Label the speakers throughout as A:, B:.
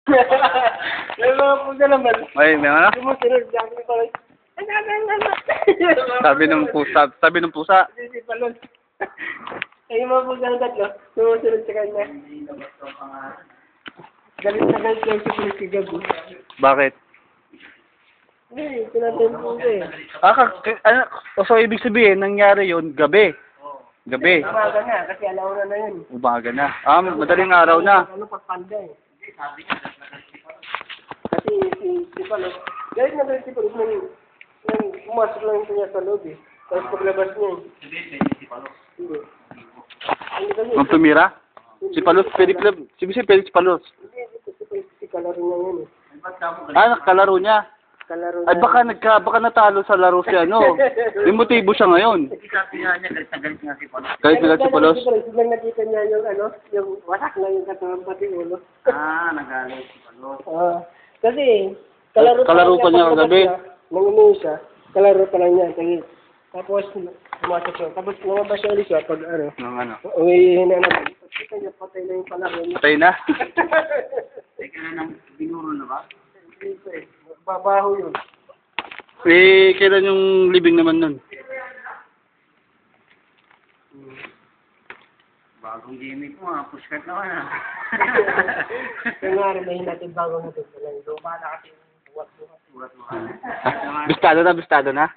A: May mga pusa naman.
B: May ano?
A: Sumusunod sa akin ko.
B: Sabi ng pusa.
A: Si Palon. Ay, yung mga pusa ng tatlo, sumusunod sa kanya. Galit na galit lang si Chris kagabi.
B: Bakit?
A: Eh, tinatay mo pusa eh.
B: So ibig sabihin, nangyari yun gabi. Gabi.
A: Umaga na, kasi alauna na yun.
B: Umaga na. Madaling araw na.
A: Ano pagpanda eh. Kasi si Palon, galit na galit si Palon nang pumasok lang niya sa loob eh. Tapos paglabas niya eh. Hindi. Hindi kasi.
B: Nung tumira? Si Palos, pwede si Palos.
A: Si kalaro niya yun eh.
B: Nakalaro niya.
A: Kalaro
B: Ay,
A: niya.
B: baka natalo sa laro si ano. May motibo siya ngayon.
C: Sabi nga niya, galit nga si Palos.
B: Kahit sila si Palos.
A: Biglang nakita niya yung ano, yung wasak na yung katawan pati ulo.
C: Nagalit si Palos.
A: Kasi,
B: Kalaro pa niya kagabi.
A: Nung umuwi siya, kalaro pa lang niya. Tapos, pumasok siya. Tapos, lumabas siya ulit siya pag ano.
B: Nung ano.
A: Uwihin na naman. Kita niya, patay na yung palaro niya.
B: Patay na.
C: Teka na nang binuro na ba?
A: Babaho yun.
B: Kailan yung libing naman nun?
C: Bagong gimmick mo pushcart naman
A: Kaya nga rin, may natin bago natin. Luma na kasi yung buwat-buwat.
B: Bistado na?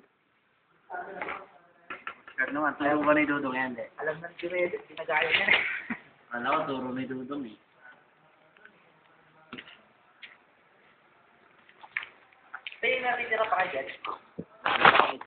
C: Pushcart naman, turo ba ni Dudong yan, de?
A: Alam na si Reddit, ginagaya niya.
C: Alam ko, turo ni Dudong eh.
A: Tayo natin tira pa kayo dyan.